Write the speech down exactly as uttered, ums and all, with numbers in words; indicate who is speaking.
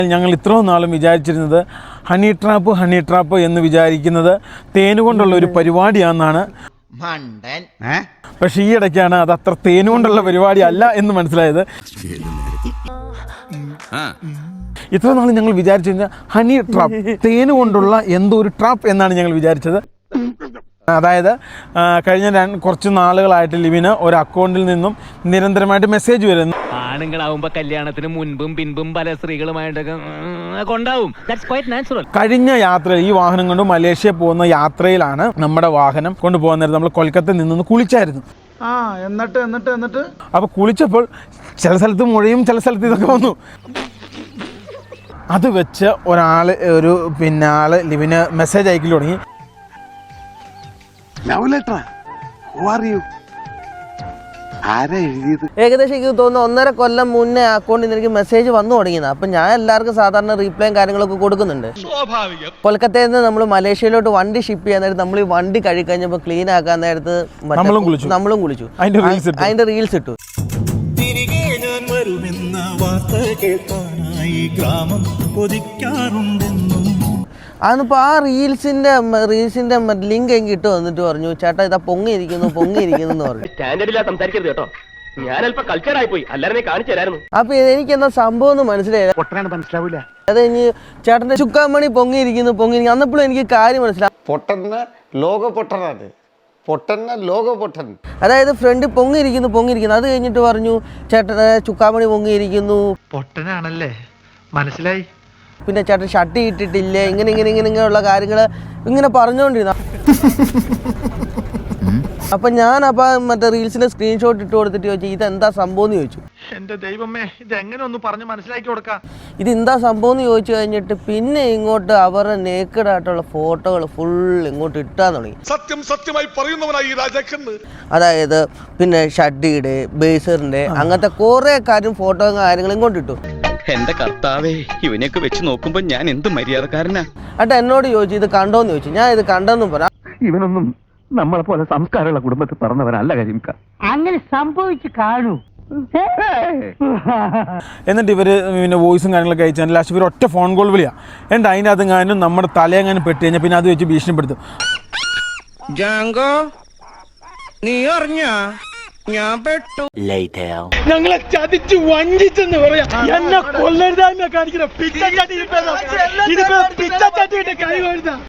Speaker 1: ഞങ്ങൾ ഇത്രയും നാളും വിചാരിച്ചിരുന്നത് ഹണി ട്രാപ്പ് ഹണി ട്രാപ്പ് എന്ന് വിചാരിക്കുന്നത് തേനുകൊണ്ടുള്ള ഒരു പരിപാടിയാണെന്നാണ്. പക്ഷേ ഈ ഇടയ്ക്കാണ് അത് അത്ര തേനുകൊണ്ടുള്ള പരിപാടി അല്ല എന്ന് മനസ്സിലായത്. ഇത്ര നാൾ ഞങ്ങൾ വിചാരിച്ചു കഴിഞ്ഞാൽ ഹണി ട്രാപ്പ്, തേനുകൊണ്ടുള്ള എന്തോ ഒരു ട്രാപ്പ് എന്നാണ് ഞങ്ങൾ വിചാരിച്ചത്. അതായത് കഴിഞ്ഞ കുറച്ച് നാളുകളായിട്ട് ലിവിന് ഒരു അക്കൗണ്ടിൽ നിന്നും നിരന്തരമായിട്ട് മെസ്സേജ് വരുന്നു.
Speaker 2: ആണുങ്ങളാവുമ്പോ കല്യാണത്തിന് മുൻപും പിൻപും പല സ്ത്രീകളുമായിട്ടൊക്കെ കൊണ്ടാവും.
Speaker 1: കഴിഞ്ഞ യാത്ര ഈ വാഹനം കൊണ്ട് മലേഷ്യ പോകുന്ന യാത്രയിലാണ് നമ്മുടെ വാഹനം കൊണ്ടുപോകുന്നത്. നമ്മൾ കൊൽക്കത്തയിൽ നിന്ന് കുളിച്ചായിരുന്നു.
Speaker 3: ആ എന്നിട്ട് എന്നിട്ട് എന്നിട്ട്
Speaker 1: അപ്പൊ കുളിച്ചപ്പോൾ ചില സ്ഥലത്ത് മുഴയും ചില സ്ഥലത്ത് ഇതൊക്കെ വന്നു. അത് വെച്ച് ഒരാള് ഒരു പിന്നെ ആള് ലിവിന് മെസ്സേജ് അയക്കൽ തുടങ്ങി.
Speaker 4: ഏകദേശം എനിക്ക് തോന്നുന്നു ഒന്നര കൊല്ലം മുന്നേ അക്കൗണ്ടിൽ നിന്ന് എനിക്ക് മെസ്സേജ് വന്നു തുടങ്ങിയത്. അപ്പം ഞാൻ എല്ലാവർക്കും സാധാരണ റീപ്ലൈയും കാര്യങ്ങളൊക്കെ കൊടുക്കുന്നുണ്ട്. കൊൽക്കത്തയിൽ നിന്ന് നമ്മൾ മലേഷ്യയിലോട്ട് വണ്ടി ഷിപ്പ് ചെയ്യാൻ നേരത്ത് നമ്മൾ ഈ വണ്ടി കഴുകഴിഞ്ഞപ്പോൾ ക്ലീൻ ആക്കാൻ നേരത്ത് നമ്മളും കുളിച്ചു. അതിന്റെ റീൽസ് ഇട്ടു. അതിപ്പോൾ ആ റീൽസിന്റെ റീൽസിന്റെ ലിങ്ക് എനിക്ക് ഇട്ട് വന്നിട്ട് പറഞ്ഞു, ചേട്ടാ ഇതാ പൊങ്ങിയിരിക്കുന്നു പൊങ്ങിയിരിക്കുന്നു എന്ന് പറഞ്ഞു. അപ്പൊ എനിക്ക് എന്താ സംഭവം എന്ന് മനസ്സിലായില്ല. അത് കഴിഞ്ഞ് ചേട്ടന്റെ ചുക്കാമണി പൊങ്ങിയിരിക്കുന്നു പൊങ്ങിയിരിക്കുന്നു അന്നപ്പോഴും എനിക്ക് കാര്യം മനസ്സിലായി.
Speaker 5: പൊട്ടന്ന ലോക പൊട്ടനാണ്, പൊട്ടന്ന ലോക പൊട്ടൻ.
Speaker 4: അതായത് ഫ്രണ്ട് പൊങ്ങിയിരിക്കുന്നു പൊങ്ങിയിരിക്കുന്നു അത് കഴിഞ്ഞിട്ട് പറഞ്ഞു ചേട്ടന് ചുക്കാമണി പൊങ്ങിയിരിക്കുന്നു.
Speaker 3: പൊട്ടനാണല്ലേ, മനസ്സിലായി.
Speaker 4: പിന്നെ ചേട്ടൻ ഷർട്ട് ഇട്ടിട്ടില്ലേ, ഇങ്ങനെ ഇങ്ങനെ ഇങ്ങനെ ഇങ്ങനെയുള്ള കാര്യങ്ങൾ ഇങ്ങനെ പറഞ്ഞുകൊണ്ടിരുന്നു. അപ്പൊ ഞാൻ അപ്പൊ മറ്റേ റീൽസിന്റെ സ്ക്രീൻഷോട്ട് ഇട്ട് കൊടുത്തിട്ട് ചോദിച്ചു ഇതെന്താ സംഭവം എന്ന് ചോദിച്ചു.
Speaker 3: എന്റെ ദൈവമേ, ഇത് എങ്ങനെ ഒന്ന് പറഞ്ഞ് മനസ്സിലാക്കി കൊടുക്കാം.
Speaker 4: ഇത് എന്താ സംഭവം എന്ന് ചോദിച്ചു കഴിഞ്ഞിട്ട് പിന്നെ ഇങ്ങോട്ട് അവരുടെ നേക്കഡ് ആയിട്ടുള്ള ഫോട്ടോകൾ ഫുൾ ഇങ്ങോട്ട് ഇട്ടാൻ തുടങ്ങി.
Speaker 6: സത്യം സത്യമായി പറയുന്നവനായി രാജാക്കന്ന്.
Speaker 4: അതായത് പിന്നെ ഷഡ്ഡിയുടെ ബേസറിന്റെ അങ്ങനത്തെ കുറെ കാര്യം ഫോട്ടോയും കാര്യങ്ങളും ഇങ്ങോട്ട് ഇട്ടു.
Speaker 2: എന്റെ കർത്താവേ, ഇവനെയൊക്കെ വെച്ച് നോക്കുമ്പോ ഞാൻ എന്ത് മര്യാദക്കാരനാ.
Speaker 4: അട്ട എന്നോട് ചോദിച്ചു ഇത് കണ്ടോന്ന് ചോദിച്ചു. ഞാൻ ഇത് കണ്ടെന്നും പറ.
Speaker 7: ഇവനൊന്നും നമ്മളെ പോലെ സംസ്കാരമുള്ള കുടുംബത്തിൽ പറഞ്ഞവനല്ല കരിമിക്ക.
Speaker 8: അങ്ങനെ സംഭവിച്ചു കാണൂ.
Speaker 1: എന്നിട്ട് ഇവര് പിന്നെ വോയിസും കാര്യങ്ങളൊക്കെ അയച്ചാൽ ലാസ്റ്റ് ഇവർ ഒറ്റ ഫോൺ കോൾ വിളിയാ. എന്നിട്ട് അതിൻ്റെ അത് കാനും നമ്മുടെ തലയെങ്ങാനും പെട്ട് കഴിഞ്ഞാൽ പിന്നെ അത് വെച്ച് ഭീഷണിപ്പെടുത്തും.
Speaker 4: നീ അറിഞ്ഞ ഞാൻ പെട്ടു.
Speaker 1: ഞങ്ങളെ ചതിച്ചു വഞ്ചിച്ചെന്ന് പറയാ. എന്നെ കൊല്ലരുതാന്ന് കാണിക്കുന്ന പിച്ചച്ചാട്ടി പിച്ചച്ചാട്ടിയുടെ കൈ വരുന്ന